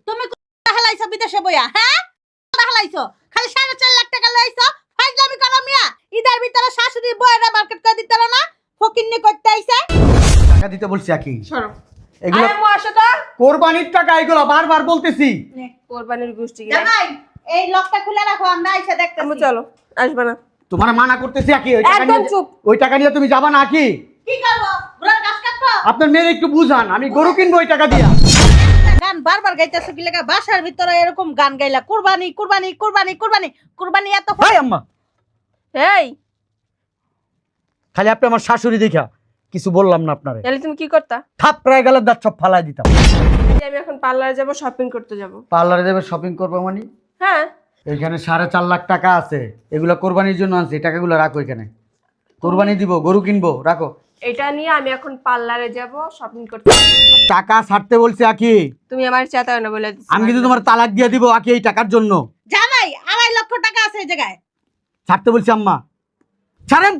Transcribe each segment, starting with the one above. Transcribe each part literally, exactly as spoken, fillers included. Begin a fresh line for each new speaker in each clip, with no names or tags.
তুমি কোথা হালাইছো বিদেশে বইয়া? হ্যাঁ, কোথা হালাইছো? খালি সাড়ে চার লাখ টাকা লইছো। ফাইজলামি করো মিয়া। ঈদের ভিতরে শাশুড়ি বইরা মার্কেট করে দিতে না, ফকিন্নি করতে আইছে।
টাকা দিতে বলছি আকি।
সরো।
এগুলো
আরে মো আসো তো।
কোরবানির টাকা, এগুলো বারবার বলতেছি।
কোরবানির গোষ্ঠী গিলা।
জামাই, এই লকটা খুলে রাখো, আমরা আইসা দেখতেছি।
আমু চলো, আসবে না।
তোমার মানা করতেছি আকি, ওই টাকা
একদম
নিয়ে
চুপ।
ওই টাকা নিয়ে তুমি যাবা না আকি।
কি করবো? ঘোড়ার ঘাস কাটবো?
আপনার মেয়ে একটু বুঝান, আমি গরু কিনবো ওই টাকা দিয়া।
গান বারবার গাইতেছো কি লাগা? বাসার ভিতরে এরকম গান গাইলা কুরবানি কুরবানি কুরবানি কুরবানি কুরবানি এত
ভাই আম্মা,
এই
খালি আপনি আমার শাশুড়ি দেখা কিছু বললাম না আপনারে।
তাহলে তুমি কি করতা?
থাপড়ায় গেলে দাঁত সব ফালাই দিতাম।
এই যে আমি এখন পার্লারে যাব, শপিং করতে যাব।
পার্লারে যাবে শপিং করবো মানে?
হ্যাঁ।
এখানে সাড়ে চার লাখ টাকা আছে, এগুলো কোরবানির জন্য আনছি। এই টাকাগুলো রাখো এখানে, কোরবানি দিব, গরু কিনবো, রাখো।
এটা নিয়ে আমি এখন পার্লারে যাব, শপিং করতে যাব।
টাকা ছাড়তে বলছি আকি।
তুমি আমার চাতাও না বলে দিছো।
আমি কিন্তু তোমার তালাক দিয়ে দিব আকি এই টাকার জন্য।
জামাই, আড়াই লক্ষ টাকা আছে এই জায়গায়।
ছাড়তে বলছি আম্মা, ছাড়েন।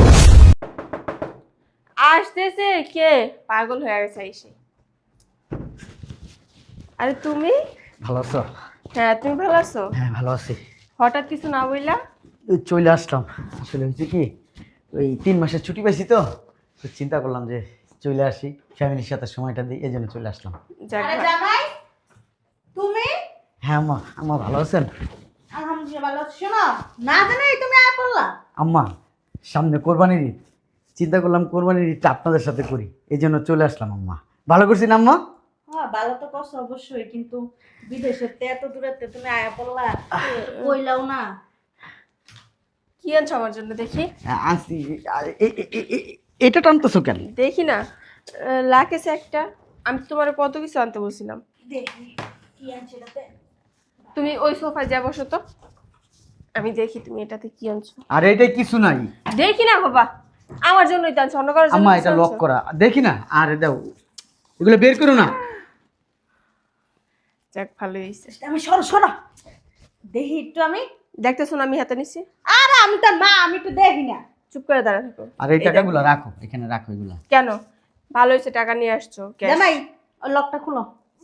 আসতেছে কে? পাগল হয়ে গেছে এসে। আরে তুমি?
ভালো আছো?
হ্যাঁ, তুমি ভালো আছো?
হ্যাঁ ভালো আছি।
হঠাৎ কিছু না বইলা?
ওই চলে আসলাম। আসলে হয়েছে কি, ওই তিন মাসের ছুটি পাইছি তো, তো চিন্তা করলাম যে চলে আসি, ফ্যামিলির সাথে সময়টা দিই, এই জন্য চলে আসলাম।
যাক
আরে
ভালো।
জামাই, তুমি?
হ্যাঁ আম্মা, আম্মা ভালো আছেন?
আলহামদুলিল্লাহ ভালো আছি। শোনো, না জানাই তুমি আয় পড়লা।
আম্মা সামনে কোরবানির ঈদ, চিন্তা করলাম কোরবানির ঈদটা আপনাদের সাথে করি, এই জন্য চলে আসলাম আম্মা। ভালো করছি না আম্মা?
হ্যাঁ ভালো তো করছো অবশ্যই, কিন্তু বিদেশের তে এত দূরেতে তুমি আয়া পড়লা, কইলাও না।
কি আনছো আমার জন্য দেখি?
আনছি। এ- এ- এ- এ- এটা টানতেছো কেন?
দেখি না। আহ, লাকেছে একটা। আমি তো তোমার কত কিছু আনতে বলছিলাম।
দেখি কি আনছে এটাতে।
তুমি ওই সোফায় যা বসো তো, আমি দেখি তুমি এটাতে কি আনছো।
আর এটা কিছু নাই
দেখি না বাবা, আমার জন্যই তো আনছো, অন্য কারোর জন্য
আম্মা,
কিছু
এটা লক
আনছো?
করা, দেখি না। আরে দাও, এগুলো বের করো না।
যাক ভালো হয়েছে।
আমি সরো সরো দেখি একটু। আমি
দেখতেছো না আমি হাতে নিছি?
আরে আমি তো মা, আমি একটু দেখি না।
চুপ করে দাঁড়া থাকো।
আর এই টাকাগুলো রাখো এখানে, রাখো এগুলো।
কেন? ভালো হয়েছে টাকা নিয়ে আসছো। cash।
জামাই, ওই লকটা খুলো।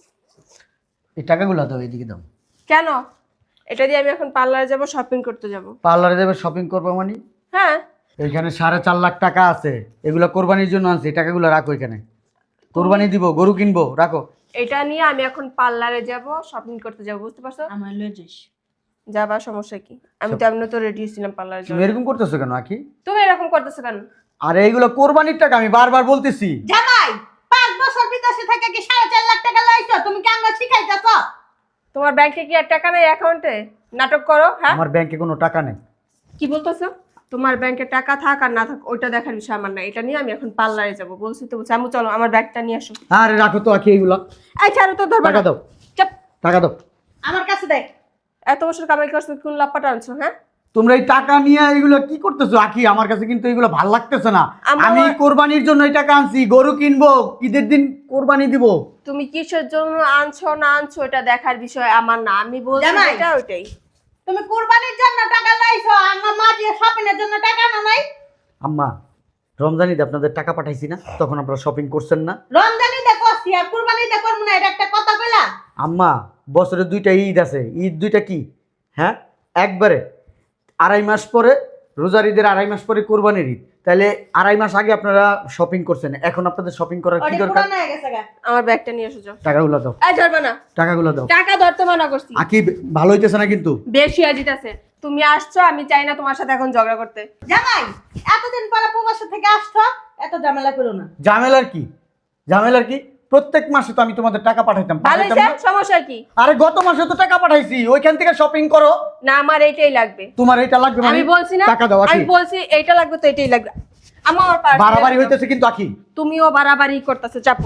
এই টাকাগুলো দাও, এদিকে দাও।
কেন? এটা দিয়ে আমি এখন পার্লারে যাব, শপিং করতে যাব।
পার্লারে যাবে শপিং করবো মানে?
হ্যাঁ।
এখানে সাড়ে চার লাখ টাকা আছে, এগুলো কোরবানির জন্য আনছি। এই টাকাগুলো রাখো এখানে, কোরবানি দিব, গরু কিনবো, রাখো।
এটা নিয়ে আমি এখন পার্লারে যাব, শপিং করতে যাব, বুঝতে পারছো?
আমার লয়ে যাইস।
যাবা, সমস্যা কি? আমি তো এমনি তো রেডি ছিলাম পার্লারে
তুমি
যাওয়ার।
এরকম করতেছো কেন আকি?
তুমি এরকম করতেছো কেন?
আরে এইগুলো কোরবানির টাকা, আমি বারবার বলতেছি।
জামাই, পাঁচ বছর বিদেশে থেকে কি সাড়ে চার লাখ টাকা লইছো? তুমি কি আমরা শিখাইতেছ?
তোমার ব্যাংকে কি আর টাকা নেই অ্যাকাউন্টে? নাটক করো, হ্যাঁ?
আমার ব্যাংকে কোনো টাকা নেই।
কি বলতেছো? তোমার ব্যাংকে টাকা থাক আর না থাক ওইটা দেখার বিষয় আমার না। এটা নিয়ে আমি এখন পার্লারে যাব, বলছি তো বলছি। আমি চলো আমার ব্যাগটা নিয়ে আসো।
আরে রাখো তো আকি এইগুলো।
এই ছাড়ো তো, ধরবা
টাকা
না।
দাও,
চাপ।
টাকা দাও।
আমার কাছে দেখ।
এত বছর কামাই করছো, কোন লাপাটা আনছো? হ্যাঁ,
তোমরা এই টাকা নিয়ে এগুলো কি করতেছো আকি? আমার কাছে কিন্তু এগুলো ভাল লাগতেছে না।
আমার-
আমি কোরবানির জন্য এই টাকা আনছি, গরু কিনবো, ঈদের দিন কোরবানি দিব।
তুমি কিসের জন্য আনছো না আনছো এটা দেখার বিষয় আমার না। আমি বলছি
জামাই।
এটা ওইটাই।
তুমি কুরবানির জন্য টাকা লইছো, আমার মা দিয়ে শপিংয়ের জন্য টাকা না নাই?
আম্মা, রমজানিতে আপনাদের টাকা পাঠাইছি না, তখন আপনারা শপিং করছেন না?
রমজানি দেখো আর কুরবানি দেখো না, এটা একটা কথা কইলা?
আম্মা, বছরে দুইটা ঈদ আছে, ঈদ দুইটা কি হ্যাঁ একবারে? আড়াই মাস পরে রোজার ঈদের আড়াই মাস পরে কোরবানির ঈদ, তাহলে আড়াই মাস আগে আপনারা শপিং করছেন, এখন আপনাদের শপিং করার কি
ওটা
দরকার?
পুরানো হয়ে গেছে গা।
আমার ব্যাগটা নিয়ে এসো যাও।
টাকাগুলো দাও,
এই ধরবা না।
টাকাগুলো দাও।
টাকা ধরতে মানা করছি।
আকি ভালো হইতেছে না কিন্তু।
বেশি আজিতেছে। তুমি আসছো, আমি চাই না তোমার সাথে এখন ঝগড়া করতে।
জামাই, এতদিন পরে প্রবাসী থেকে আসছো, এত ঝামেলা করো না।
ঝামেলার কি? ঝামেলার কি? প্রত্যেক মাসে তো আমি তোমাদের টাকা পাঠাইতাম,
ভালো
পাঠাইতাম
হয়েছে,
না?
সমস্যা কি?
আরে গত মাসে তো টাকা পাঠাইছি, ওইখান থেকে শপিং করো।
না, আমার এইটাই লাগবে।
তোমার এইটা লাগবে মানে?
আমি বলছি না,
টাকা দাও আকি।
আমি বলছি এইটা লাগবে তো এইটাই লাগবে। আমার পার্স
বাড়াবাড়ি হইতেছে কিন্তু আকি।
তুমিও বাড়াবাড়ি করতেছো, চাপো।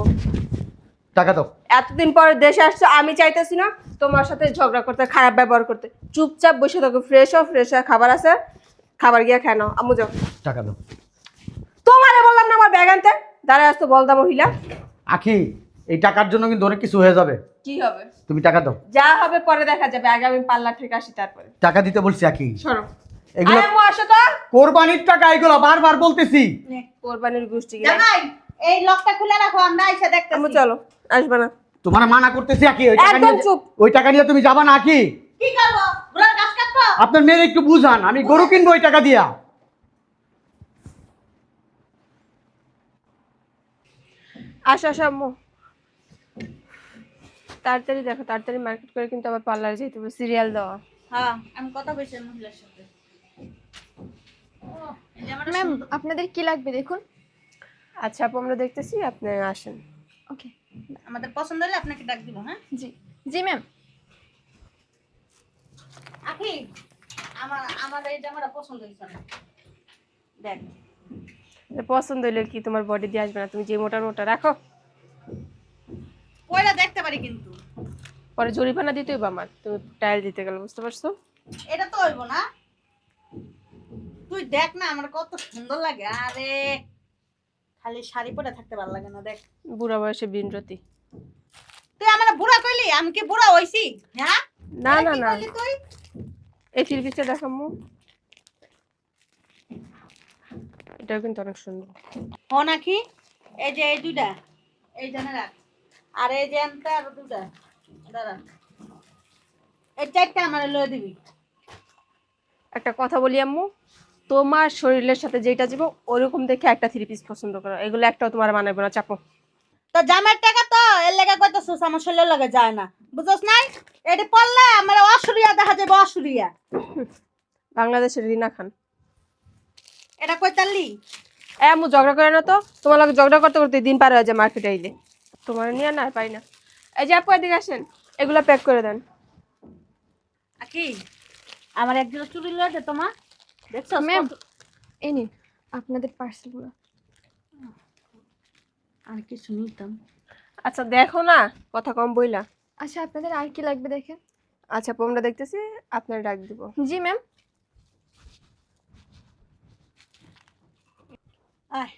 টাকা দাও।
এতদিন পরে দেশে আসছো, আমি চাইতেছি না তোমার সাথে ঝগড়া করতে, খারাপ ব্যবহার করতে। চুপচাপ বসে থাকো, ফ্রেশ হও, ফ্রেশ হয়ে খাবার আছে, খাবার গিয়ে খায় নাও। আমু যাও।
টাকা দাও।
তোমারে বললাম না আমার ব্যাগ আনতে, দাঁড়ায় আসতো বলদা মহিলা।
আখি, এই টাকার জন্য কিন্তু অনেক কিছু হয়ে যাবে।
কি হবে?
তুমি টাকা দাও।
যা হবে পরে দেখা যাবে, আগে আমি পার্লার থেকে আসি তারপরে।
টাকা দিতে বলছি আখি।
সরো।
এগুলো
আরে আম্মু আসো তো।
কোরবানির টাকা, এগুলো বারবার বলতেছি।
কোরবানির গোষ্ঠী গিলা।
জামাই, এই লকটা খুলে রাখো, আমরা আইসা
আমু
দেখতেছি।
চলো, আসবে না।
তোমার মানা করতেছি কি ওই টাকা
একদম
নিয়ে
চুপ।
ওই টাকা নিয়ে তুমি যাবা না কি?
কি করবো? ঘোড়ার ঘাস কাটবো?
আপনার মেয়ে একটু বুঝান, আমি গরু কিনবো ওই টাকা দিয়া।
আসো আসো আম্মু, তাড়াতাড়ি দেখো, তাড়াতাড়ি মার্কেট করে কিন্তু আবার পার্লারে যেতে হবে, সিরিয়াল দেওয়া।
হ্যাঁ, আমি কথা বলছি মহিলার সাথে। ও, এই যে আমার
ম্যাম
সুন্দর-
আপনাদের কি লাগবে দেখুন।
আচ্ছা আপু, আমরা দেখতেছি, আপনি আসেন।
ওকে,
আমাদের পছন্দ হলে আপনাকে ডাক দিব। হ্যাঁ
জি জি ম্যাম।
আখি, আমার আমার এই জামাটা পছন্দ হয়েছে না। দেখ,
পছন্দ হইলে কি তোমার বডি দিয়ে আসবে না? তুমি যে মোটা মোটা রাখো,
কইরা দেখতে পারি কিন্তু
পরে জরিমানা দিতে হইব আমার, তুমি টাইল দিতে গেলে, বুঝতে পারছো?
এটা তো হইব না। তুই দেখ না আমার কত সুন্দর লাগে। আরে খালি শাড়ি পরে থাকতে ভালো লাগে না। দেখ,
বুড়া বয়সে বিনরতি।
তুই আমার বুড়া কইলি, আমি কি বুড়া হইছি? হ্যাঁ
না
এটা
না
কি
না,
কইলি তুই?
এই থ্রি পিসটা দেখো আম্মু, এটাও কিন্তু অনেক সুন্দর।
হ নাকি? এই যে এই দুইটা, এই জানে রাখ। আর এই যে এনটা আর দুইটা দাঁড়া, এই চারটা আমার লয়ে দিবি।
একটা কথা বলি আম্মু, তোমার শরীরের সাথে যেটা যাব ওরকম দেখে একটা থ্রি পিস পছন্দ করো, এগুলো একটাও তোমার মানাবে না, চাপো।
তো জামার টাকা তো এর লেগে কইতাছিস, আমার শরীরের লগে যায় না, বুঝছস নাই? এটি পড়লে আমার অসুরিয়া দেখা যাবে, অসুরিয়া।
বাংলাদেশের রিনা খান।
এটা কইতালি?
এ আম্মু ঝগড়া করে না তো, তোমার লগে ঝগড়া করতে করতে দিন পার হয়ে যায় মার্কেটে আইলে, তোমার নিয়ে না আর পাই না। এই যে আপু এদিকে আসেন, এগুলো প্যাক করে দেন।
আকি, আমার এক জোড়া চুড়ি লয়ে দে তোমার। দেখছস
ম্যাম
কত-
এই নিন আপনাদের পার্সেলগুলো।
আর কিছু নিতাম।
আচ্ছা দেখো না, কথা কম বইলা।
আচ্ছা আপনাদের আর কি লাগবে দেখেন।
আচ্ছা আপু, আমরা দেখতেছি, আপনার ডাক দিব।
জি ম্যাম।
আয়,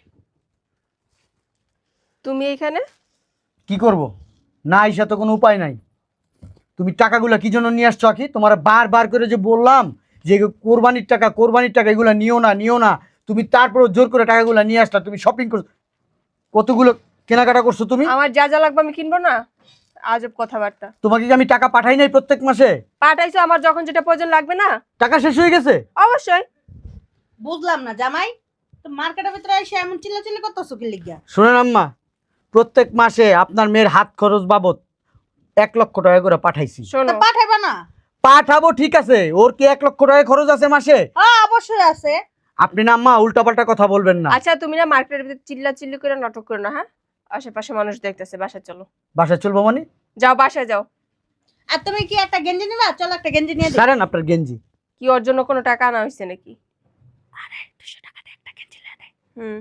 তুমি এইখানে?
কি করব? না আইসা তো কোনো উপায় নাই। তুমি টাকাগুলো কি জন্য নিয়ে আসছো আখি? তোমার বারবার করে যে বললাম যে কোরবানির টাকা, কোরবানির টাকা এগুলো নিও না, নিও না, তুমি তারপর জোর করে টাকাগুলো নিয়ে আসলা। তুমি শপিং করছো, কতগুলো কেনাকাটা করছো তুমি?
আমার যা যা লাগবে আমি কিনবো না, আজব কথাবার্তা।
তোমাকে কি আমি টাকা পাঠাই নাই প্রত্যেক মাসে?
পাঠাইছো, আমার যখন যেটা প্রয়োজন লাগবে না,
টাকা শেষ হয়ে গেছে?
অবশ্যই।
বুঝলাম না জামাই, তো মার্কেটের ভিতরে এসে এমন চিল্লাচিল্লি করতেছো কি লিগা?
শোনেন আম্মা, প্রত্যেক মাসে আপনার মেয়ের হাত খরচ বাবদ এক লক্ষ টাকা করে পাঠাইছি।
তো
শোনো,
পাঠাইবা না?
পাঠাবো ঠিক আছে, ওর কি এক লক্ষ টাকা খরচ আছে মাসে?
হ্যাঁ অবশ্যই আছে।
আপনি না আম্মা উল্টাপাল্টা কথা বলবেন না।
আচ্ছা তুমি না মার্কেটের ভিতরে চিল্লা চিল্লি করে নাটক করো না, হ্যাঁ? আশেপাশে মানুষ দেখতেছে, বাসায় চলো।
বাসায় চলবো মানে?
যাও বাসায় যাও।
আর তুমি কি একটা গেঞ্জি নিবা? চলো একটা গেঞ্জি নিয়ে দিই।
সারেন আপনার গেঞ্জি।
কি ওর জন্য কোনো টাকা আনা হয়েছে নাকি?
দুশো টাকা দিয়ে একটা গেঞ্জি নিয়ে দেয়।
হুম,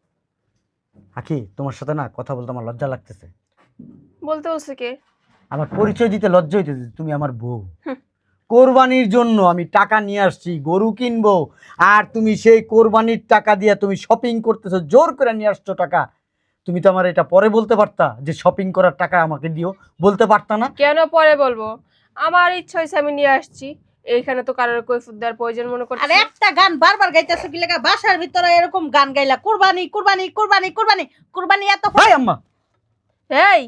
আখি তোমার সাথে না কথা বলতে আমার লজ্জা লাগতেছে।
বলতে বলছে কে?
আমার পরিচয় দিতে লজ্জা হইতেছে, তুমি আমার বউ।
হুম।
কোরবানির জন্য আমি টাকা নিয়ে আসছি, গরু কিনবো, আর তুমি সেই কোরবানির টাকা দিয়ে তুমি শপিং করতেছো, জোর করে নিয়ে আসছো টাকা। তুমি তো আমার এটা পরে বলতে পারতা যে শপিং করার টাকা আমাকে দিও, বলতে পারতা না?
কেন পরে বলবো? আমার ইচ্ছা হয়েছে আমি নিয়ে আসছি, এইখানে তো কারোর কৈফিয়ত দেওয়ার প্রয়োজন মনে
আর
করছি।
একটা গান বারবার গাইতেছো কি লাগা? বাসার ভিতরে এরকম গান গাইলা, কুরবানি কুরবানি কুরবানি কুরবানি কুরবানি, এত
ভাই আম্মা,
এই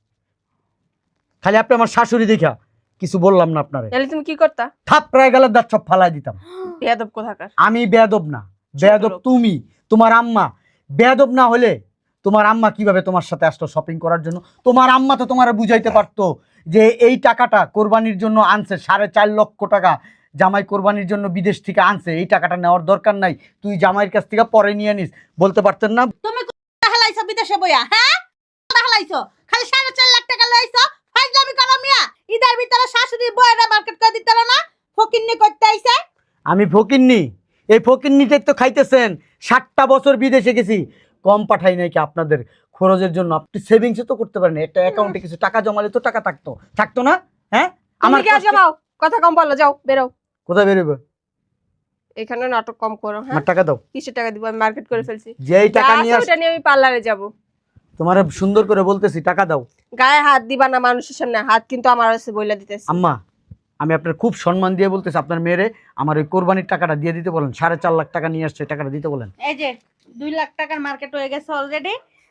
খালি আপনি আমার শাশুড়ি দেখা কিছু বললাম না আপনারে,
তাহলে তুমি কি করতা?
থাপড়ায় গেলে দাঁত সব ফালাই দিতাম।
বেয়াদব কোথাকার।
আমি বেয়াদব না, বেয়াদব
লোক।
তুমি, তোমার আম্মা। বেয়াদব না হলে তোমার আম্মা কিভাবে তোমার সাথে আসতো শপিং করার জন্য? তোমার আম্মা তো তোমার বুঝাইতে পারতো যে এই টাকাটা কোরবানির জন্য আনছে, সাড়ে চার লক্ষ টাকা জামাই কোরবানির জন্য বিদেশ থেকে আনছে, এই টাকাটা নেওয়ার দরকার নাই, তুই জামাইয়ের কাছ থেকে পরে নিয়ে নিস, বলতে পারতেন না?
তুমি কোথা হালাইছো বিদেশে বইয়া? হ্যাঁ কোথা হালাইছো? খালি সাড়ে চার লাখ টাকা লইছো, ফাইজলামি করো মিয়া। ঈদের ভিতরে শাশুড়ি বইরা মার্কেট করে দিতে না, ফকিন্নি করতে আইছে।
আমি ফকিন্নি? এই ফকিন্নিটাই তো খাইতেছেন। ষাটটা বছর বিদেশে গেছি, কম পাঠাই নাই কি আপনাদের খরচের জন্য? আপনি সেভিংসও তো করতে পারেন, একটা অ্যাকাউন্টে কিছু টাকা জমালে তো টাকা থাকতো, থাকতো না? হ্যাঁ
তুমি
আমার
কি জমাও? কথা কম বলো, যাও বেরো।
কোথায় বেরোবে?
এখানে নাটক কম করো, হ্যাঁ?
আমার টাকা দাও।
কিসের টাকা দিব? আমি মার্কেট করে ফেলছি,
যেই টাকা
যা
নিয়ে
আছে
আস,
ওটা নিয়ে আমি পার্লারে যাব।
তোমার সুন্দর করে বলতেছি টাকা দাও।
গায়ে হাত দিবা না মানুষের সামনে, হাত কিন্তু আমার আছে বইলা দিতেছি।
আম্মা, আমি আপনার খুব সম্মান দিয়ে বলতেছি, আপনার মেয়েরে আমার ওই কোরবানির টাকাটা দিয়ে দিতে বলেন। সাড়ে চার লাখ টাকা নিয়ে আসছে, টাকাটা দিতে বলেন।
এই যে দুই লাখ টাকার মার্কেট হয়ে গেছে অলরেডি।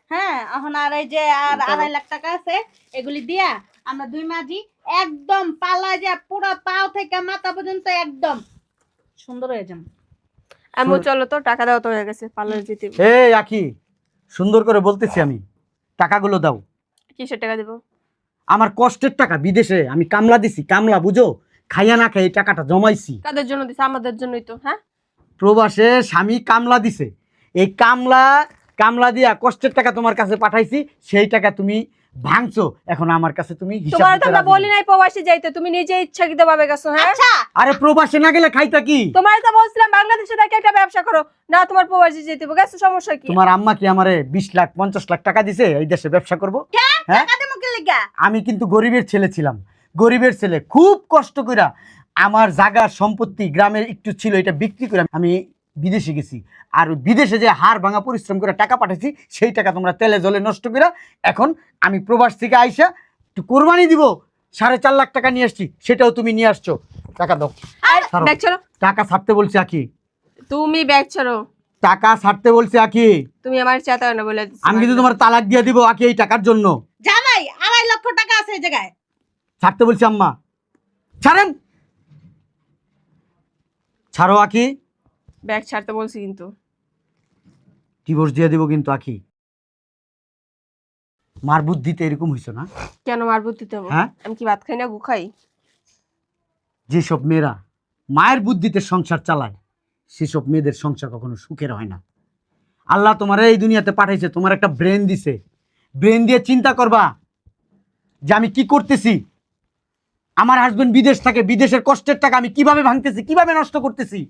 হ্যাঁ এখন আর এই যে আর
দাও।
আড়াই লাখ টাকা আছে এগুলি দিয়া আমরা দুই মাঝি একদম পালা যা পুরো পাও থেকে মাথা পর্যন্ত একদম সুন্দর হয়ে যাম।
আম্মু চলো তো, টাকা দাও তো হয়ে গেছে, পার্লারে যেতে হবে।
এই আকি, সুন্দর করে বলতেছি আমি, টাকাগুলো দাও।
কিসের টাকা দেবো?
আমার কষ্টের টাকা, বিদেশে আমি কামলা দিছি, কামলা বুঝো, খাইয়া না খাই এই টাকাটা জমাইছি।
কাদের জন্য দিছে? আমাদের জন্যই তো। হ্যাঁ,
প্রবাসে স্বামী কামলা দিছে, এই কামলা কামলা দিয়া কষ্টের টাকা তোমার কাছে পাঠাইছি, সেই টাকা তুমি ভাঙছো, এখন আমার কাছে তুমি হিসাব
তোমার তো
দিতে
আমরা
রাজি
বলি
না।
নাই প্রবাসী যাইতে, তুমি নিজে ইচ্ছাকৃত ভাবে গেছো। হ্যাঁ,
আচ্ছা
আরে প্রবাসে না গেলে খাইতা কি?
তোমার তো বলছিলাম বাংলাদেশে থেকে একটা ব্যবসা করো না, তোমার প্রবাসী যেতে হবে, গেছো, সমস্যা কি?
তোমার আম্মা কি আমারে বিশ লাখ পঞ্চাশ লাখ টাকা দিছে এই দেশে ব্যবসা করব? হ্যাঁ,
টাকা দেবো কি লিগা?
আমি কিন্তু গরিবের ছেলে ছিলাম, গরিবের ছেলে, খুব কষ্ট কইরা আমার জায়গার সম্পত্তি গ্রামের একটু ছিল, এটা বিক্রি করে আমি বিদেশে গেছি, আর ওই বিদেশে যে হাড় ভাঙা পরিশ্রম করে টাকা পাঠাইছি, সেই টাকা তোমরা তেলে জলে নষ্ট করে এখন আমি প্রবাস থেকে আইসা একটু কোরবানি দিব, সাড়ে চার লাখ টাকা নিয়ে আসছি, সেটাও তুমি নিয়ে আসছো। টাকা দাও।
আর
ছাড়ো।
ব্যাগ ছাড়ো,
টাকা ছাড়তে বলছি আকি,
তুমি ব্যাগ ছাড়ো।
টাকা ছাড়তে বলছি আকি,
তুমি আমার চাতা না বলে দিচ্ছি।
আমি কিন্তু তোমার তালাক দিয়ে দিব আকি এই টাকার জন্য।
জামাই আড়াই লক্ষ টাকা আছে এই জায়গায়।
ছাড়তে বলছি আম্মা, ছাড়েন। ছাড়ো আকি,
ব্যাগ ছাড়তে বলছি কিন্তু।
ডিভোর্স দিয়ে দিব কিন্তু আকি। মার বুদ্ধিতে এরকম হইছো না?
কেন মার বুদ্ধিতে হবো?
হ্যাঁ?
আমি কি ভাত খাই না, গু খাই?
যেসব মেয়েরা মায়ের বুদ্ধিতে সংসার চালায়, সেসব মেয়েদের সংসার কখনো সুখের হয় না। আল্লাহ তোমার এই দুনিয়াতে পাঠাইছে, তোমার একটা ব্রেন দিছে, ব্রেন দিয়ে চিন্তা করবা যে আমি কি করতেছি। আমার হাজবেন্ড বিদেশ থাকে, বিদেশের কষ্টের টাকা আমি কিভাবে ভাঙতেছি, কিভাবে নষ্ট করতেছি।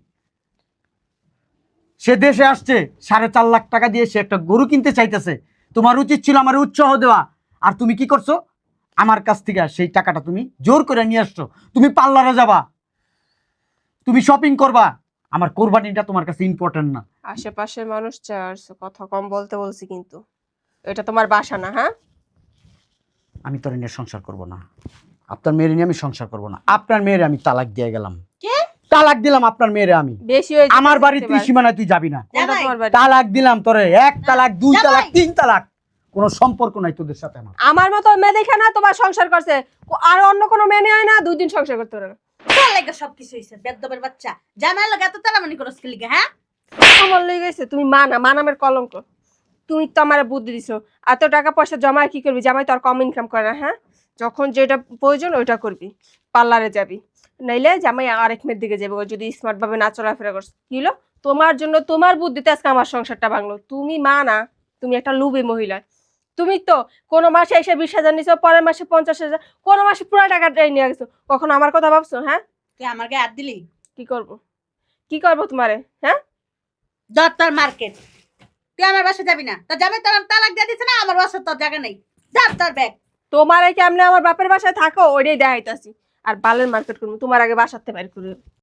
সে দেশে আসছে, সাড়ে চার লাখ টাকা দিয়ে সে একটা গরু কিনতে চাইতেছে, তোমার উচিত ছিল আমার উৎসাহ দেওয়া, আর তুমি কি করছো? আমার কাছ থেকে সেই টাকাটা তুমি জোর করে নিয়ে আসছো। তুমি পার্লারে যাবা, তুমি শপিং করবা, আমার কোরবানিটা তোমার কাছে ইম্পর্টেন্ট না।
আশেপাশের মানুষ চার্জ কথা কম বলতে বলছি কিন্তু, এটা তোমার বাসা না। হ্যাঁ,
আমি তোর নিয়ে সংসার করব না, আপনার মেয়ের নিয়ে আমি সংসার করব না। আপনার মেয়ের আমি তালাক দিয়ে গেলাম।
কে?
তালাক দিলাম আপনার মেয়েরে আমি।
বেশি হয়ে
আমার বাড়ি তুই সীমানায় তুই যাবি না।
কোনটা
জামাই।
তোমার বাড়ি?
তালাক দিলাম তোরে, এক তালাক, দুই
জামাই।
তালাক, তিন তালাক, কোনো সম্পর্ক নাই তোদের সাথে আমার।
আমার মতো মেয়ে দেখে না তোমার সংসার করছে, আর অন্য কোনো মেয়ে নেয় না, দুই দিন সংসার করতে পারে না।
তোর লাগা সবকিছু হইছে বেদবের বাচ্চা। জামাই লাগা এত তাড়াতাড়ি করছ কি লিগা? হ্যাঁ
আমার লেগে গেছে, তুমি মা না, মা নামের কলঙ্ক। তুমি তো আমার বুদ্ধি দিছো, এত টাকা পয়সা জমা কি করবি? জামাই তো আর কম ইনকাম করে না। হ্যাঁ, যখন যেটা প্রয়োজন ওইটা করবি, পার্লারে যাবি, নাইলে জামাই আরেক মেয়ের দিকে যাবে। ও যদি স্মার্ট ভাবে না চলাফেরা করছে, কি হলো? তোমার জন্য, তোমার বুদ্ধিতে আজকে আমার সংসারটা ভাঙলো। তুমি মা না, তুমি একটা লুবি মহিলা। তুমি তো কোনো মাসে এসে বিশ হাজার নিছো, পরের মাসে পঞ্চাশ হাজার, কোনো মাসে পুরো টাকাটাই নিয়ে গেছো। কখনো আমার কথা ভাবছো? হ্যাঁ,
তুই আমার গায়ে হাত দিলি?
কি করব, কি করবো তোমারে? হ্যাঁ,
যত তোর মার্কেট, তুই আমার বাসা যাবি না। তোর জামাই তোর তালাক দিয়ে দিছে না, আমার বাসা তোর জায়গা নেই। যা তোর ব্যাগ।
তোমার কেমনে আমার বাপের বাসায় থাকো ওইটাই দেখাইতাছি, আর বালের মার্কেট করবো তোমার আগে বাসাতে বাইর করে।